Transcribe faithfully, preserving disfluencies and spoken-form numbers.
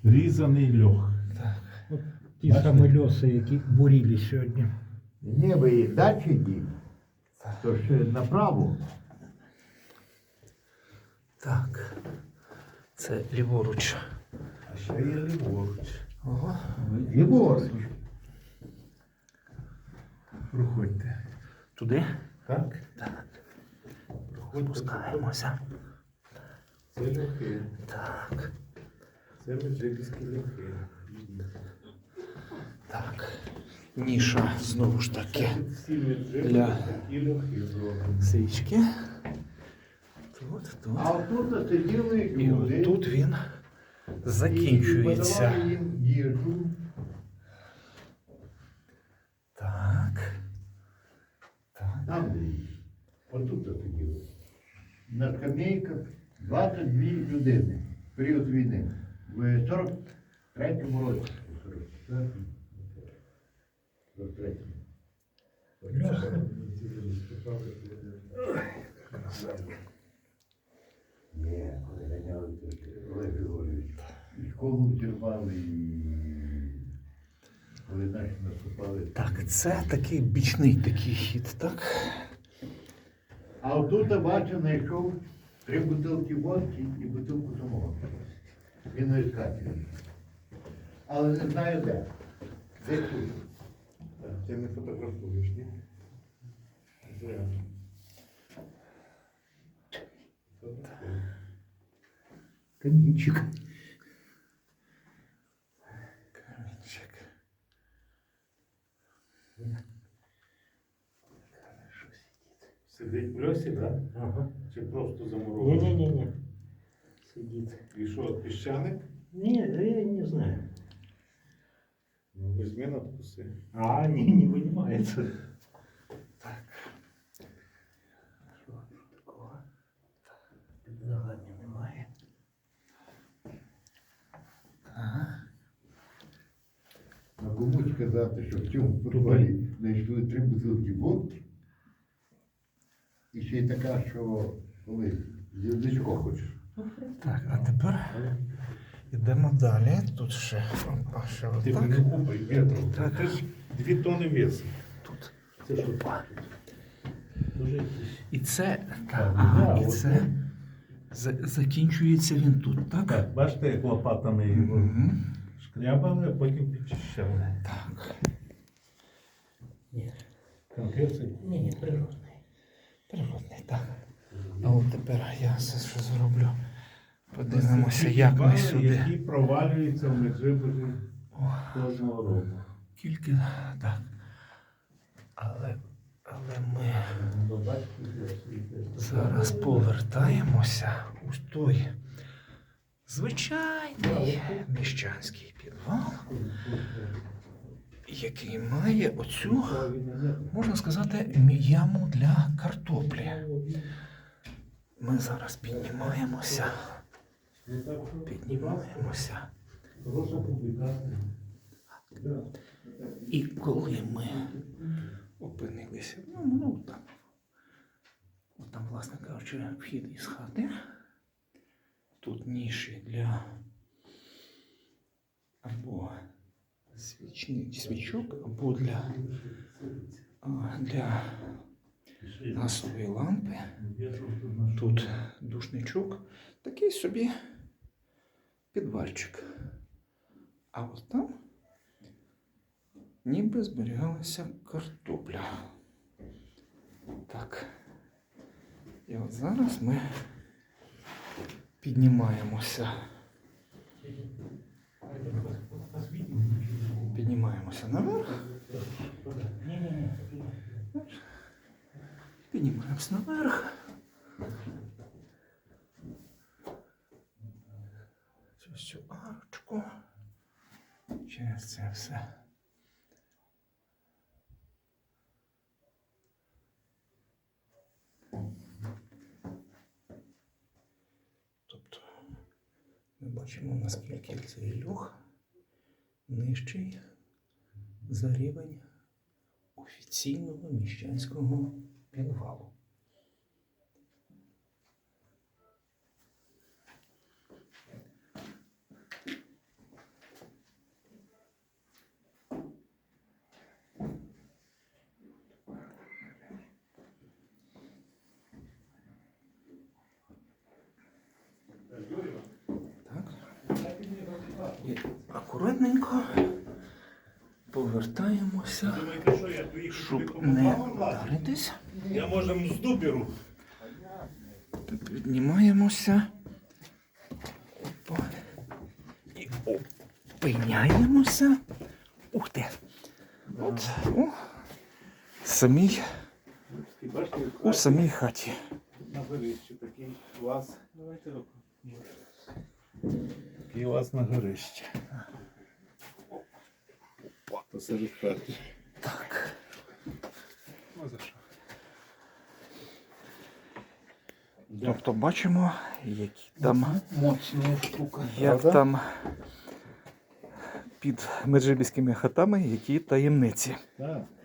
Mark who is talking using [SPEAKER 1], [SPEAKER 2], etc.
[SPEAKER 1] різаний льох.
[SPEAKER 2] Так. От ті самі льоси, які буріли сьогодні.
[SPEAKER 3] Ні, ви далі йдіть. То ж направо.
[SPEAKER 2] Так. Це ліворуч.
[SPEAKER 1] А ще є ліворуч.
[SPEAKER 2] Ого.
[SPEAKER 3] Ліворуч.
[SPEAKER 1] Проходьте.
[SPEAKER 2] Туди?
[SPEAKER 1] Так?
[SPEAKER 2] Так.
[SPEAKER 1] Проходьте.
[SPEAKER 2] Спускаємося.
[SPEAKER 1] Це льохи.
[SPEAKER 2] Так.
[SPEAKER 1] Це меджибіські льохи.
[SPEAKER 2] Так. Ніша знову ж таки
[SPEAKER 1] Всі меджибі
[SPEAKER 2] для
[SPEAKER 1] такі льохи зроблені.
[SPEAKER 2] свічки. Тут, тут.
[SPEAKER 3] А отут сиділи
[SPEAKER 2] І
[SPEAKER 3] люди.
[SPEAKER 2] от тут він
[SPEAKER 3] І
[SPEAKER 2] закінчується.
[SPEAKER 3] подавали їм їжу.
[SPEAKER 2] Так. Так.
[SPEAKER 3] Там де їх. Отут сиділи. На скамейках двадцять дві людини. В період війни. В сорок третьому році. сорок третьому. Ні, коли ганяли, то Олег Григорійович. І школу зірвали, і коли наші наступали.
[SPEAKER 2] Так, це такий бічний такий хід, так?
[SPEAKER 3] А отут бачу, знайшов три бутилки водки і бутилку самого. Він на іскателі. Але не знаю де. Де тут?
[SPEAKER 1] Ти не фотографуєш, ні? Зря.
[SPEAKER 3] Камінчик.
[SPEAKER 2] Камінчик.
[SPEAKER 1] Сидить в льосі, так? Ага. Чи просто замурований?
[SPEAKER 4] Не-не-не-не. Сидит.
[SPEAKER 1] І що, піщаник?
[SPEAKER 4] Не, я не знаю.
[SPEAKER 1] Ну, візьми надкуси.
[SPEAKER 4] А, не, не вынимается.
[SPEAKER 2] Так. Що тут такого?
[SPEAKER 4] Під ногами немає.
[SPEAKER 2] Ага.
[SPEAKER 3] А кому сказати, що в цьому підвалі знайшли три бутилки водки. І ще й така, що коли зірничко хочеш.
[SPEAKER 2] Так, а тепер йдемо далі. Тут ще, опа, ще
[SPEAKER 1] Ти
[SPEAKER 2] отак.
[SPEAKER 1] не купай вітру.
[SPEAKER 2] Так.
[SPEAKER 1] Це ж дві тони весу.
[SPEAKER 2] Тут.
[SPEAKER 1] Це що?
[SPEAKER 2] Опа.
[SPEAKER 1] Дуже якісь.
[SPEAKER 2] І це,
[SPEAKER 1] Так,
[SPEAKER 2] так, ага,
[SPEAKER 1] да,
[SPEAKER 2] і
[SPEAKER 1] от
[SPEAKER 2] це за- закінчується він тут, так?
[SPEAKER 1] Так, бачите, як лопатами його
[SPEAKER 2] Мгм.
[SPEAKER 1] шкрябали, а потім підчищали.
[SPEAKER 2] Так.
[SPEAKER 4] Ні.
[SPEAKER 1] Конкретний.
[SPEAKER 4] Ні, ні, природний.
[SPEAKER 2] Природний, так. А от тепер я це що зроблю. Подивимося,
[SPEAKER 1] Ці
[SPEAKER 2] як ми
[SPEAKER 1] бали,
[SPEAKER 2] сюди.
[SPEAKER 1] Які провалюються в Меджибужі кожного року.
[SPEAKER 2] Тільки так. Але, але ми зараз повертаємося у той звичайний міщанський підвал, який має оцю, можна сказати, яму для картоплі. Ми зараз піднімаємося, піднімаємося.
[SPEAKER 1] Хороша публікація.
[SPEAKER 2] І коли ми опинилися, ну, ну там, от там, власне кажучи, вхід із хати, тут ніші для або свічні, свічок, або для, а, для газової лампи. Тут душничок, такий собі підвальчик. А от там ніби зберігалася картопля. Так. І от зараз ми піднімаємося. Піднімаємося наверх. Піднімаємося наверх. Через цю арочку. Через це все. Тобто ми бачимо, наскільки цей льох нижчий за рівень офіційного міщанського підвалу. акуратненько повертаємося,
[SPEAKER 1] Думаєте, що я доїхав туди
[SPEAKER 2] щоб
[SPEAKER 1] по
[SPEAKER 2] не
[SPEAKER 1] попам власне?
[SPEAKER 2] вдаритись.
[SPEAKER 1] Я може мзду беру.
[SPEAKER 2] Піднімаємося. Опа. І опиняємося. Ух ти. От, о, самій,
[SPEAKER 1] Бачите,
[SPEAKER 2] у самій хаті.
[SPEAKER 1] на горищі такий клас. Давайте руку. Такий у вас на горищі. Посеред хати.
[SPEAKER 2] Так.
[SPEAKER 1] Ну за що?
[SPEAKER 2] Тобто бачимо, які там,
[SPEAKER 1] Моцна штука.
[SPEAKER 2] як там під меджибіськими хатами, які таємниці.
[SPEAKER 1] Так.